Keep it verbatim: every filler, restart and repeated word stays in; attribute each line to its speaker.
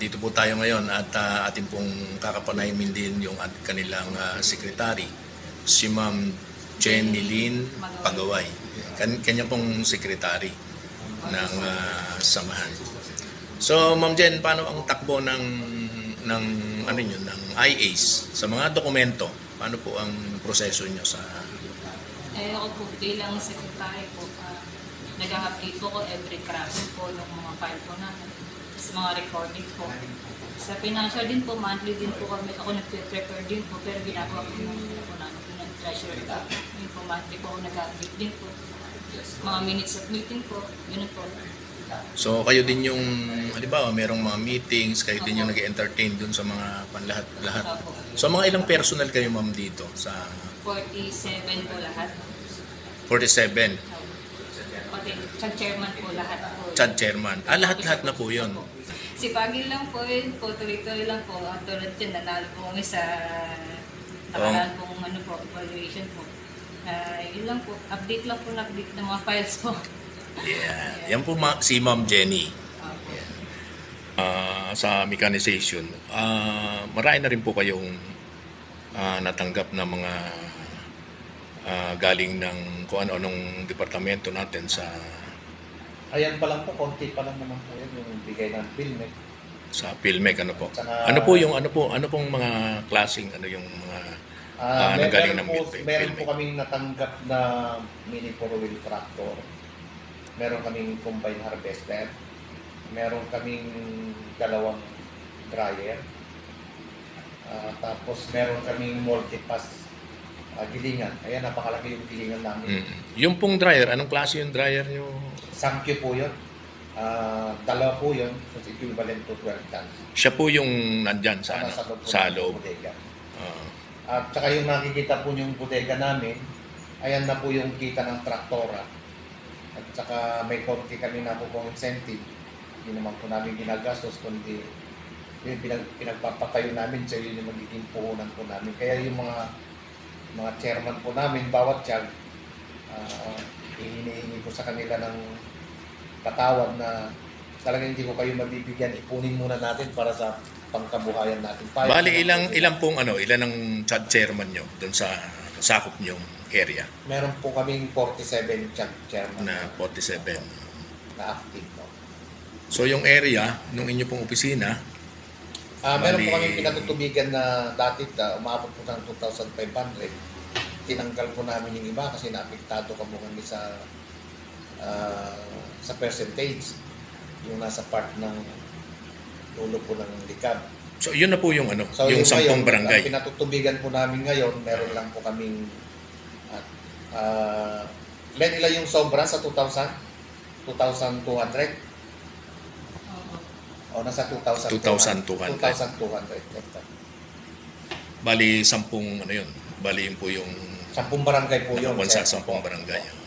Speaker 1: Dito po tayo ngayon at uh, ating pong kakapanayimin din yung at kanilang uh, secretary, si Ma'am Jenny Lynn Pagaway. Kan kanya pong secretary ng uh, samahan. So Ma'am Jen, paano ang takbo ng ng ano niyo ng I A S sa mga dokumento? Paano po ang proseso niyo sa
Speaker 2: Eh ako po bilang secretary po, uh, nag-update po ko every crash po ng mga file po namin. Sa mga recording po. Sa financial din po, monthly din po kami, ako nag-prepare din po, pero ginagawa ko ng po namin po ng treasurer ka. Yun po, monthly po ako nag-update din po. Mga minutes of meeting po, yun po.
Speaker 1: So kayo din yung, halimbawa, merong mga meetings, kayo din yung nag-entertain dun sa mga panlahat-lahat. So mga ilang personal kayo ma'am dito sa
Speaker 2: forty-seven po lahat.
Speaker 1: forty-seven?
Speaker 2: Pati Chad chairman po lahat po.
Speaker 1: Chad chairman. Ah, lahat-lahat na po yun.
Speaker 2: Si Pagil lang po yun po, tuloy-tuloy lang po. At tulad yun, nanalo po kami sa nakaraan pong ano po, evaluation po. Uh, yun lang po, update lang po, update ng mga files po.
Speaker 1: Yeah. Yan po ma- si Ma'am Jenny. Yeah. Uh, sa mechanization, uh, marami na rin po kayong uh, natanggap na mga uh, galing ng kung ano-anong departamento natin sa
Speaker 3: Ayan pa lang po, konti pa lang naman po yan, yung bigay ng PhilMec.
Speaker 1: sa PhilMec, ano po?
Speaker 3: Saka,
Speaker 1: ano po yung ano po, ano pong mga klaseng ano yung mga
Speaker 3: uh,
Speaker 1: uh,
Speaker 3: mer-
Speaker 1: nanggaling
Speaker 3: meron
Speaker 1: ng
Speaker 3: po,
Speaker 1: PhilMec?
Speaker 3: meron po kaming natanggap na mini four-wheel tractor. Meron kaming combine harvester. Meron kaming dalawang dryer. Uh, tapos meron kaming multipass uh, gilingan. Ayan, napakalaki yung gilingan namin.
Speaker 1: Mm. Yung pong dryer, anong klase yung dryer nyo?
Speaker 3: Sankyo po yun. Uh, dalawa po yun. So equivalent to twelve tons.
Speaker 1: Siya po yung nandyan sa, ano,
Speaker 3: Sa loob po
Speaker 1: sa
Speaker 3: ng
Speaker 1: loob.
Speaker 3: bodega.
Speaker 1: Uh,
Speaker 3: At saka yung nakikita po yung bodega namin, ayan na po yung kita ng traktora. At saka may konti kami na po pong incentive. Hindi naman po namin ginagastos, kundi yung pinag, pinagpapatayo namin, so yun yung magiging puhunan po namin. Kaya yung mga mga chairman po namin, bawat tiyag, uh, hinihingi ko sa kanila ng patawag na talagang hindi ko kayo mabibigyan, ipunin muna natin para sa pangkabuhayan natin. Payag
Speaker 1: Bali,
Speaker 3: naman
Speaker 1: ilang,
Speaker 3: po sila.
Speaker 1: ilang pong ano, ilan ang Chad chairman nyo doon sa sakop nyong area
Speaker 3: Meron po kaming forty-seven tiyag chairman
Speaker 1: na forty-seven.
Speaker 3: na active po.
Speaker 1: So yung area, nung inyo pong opisina,
Speaker 3: Ah, meron
Speaker 1: Bali-
Speaker 3: po kami pinatutubigan na dati uh, umabot po ng two thousand five hundred. Tinanggal po namin yung iba kasi naapektado ka po kami sa ah, sa percentage yung nasa part ng dulo po ng likab.
Speaker 1: so yun na po yung ano,
Speaker 3: So
Speaker 1: yung
Speaker 3: yung
Speaker 1: sampung
Speaker 3: ngayon,
Speaker 1: barangay.
Speaker 3: ang pinatutubigan po namin ngayon, meron lang po kaming at uh, ilan ilan yung sobra sa two thousand? two thousand two hundred? O nasa two thousand
Speaker 1: two thousand two hundred.
Speaker 3: two thousand two hundred hectare.
Speaker 1: Bali, sampung ano yun. Bali yun po yung
Speaker 3: Sampung barangay po yun.
Speaker 1: sa
Speaker 3: sir.
Speaker 1: sampung barangay.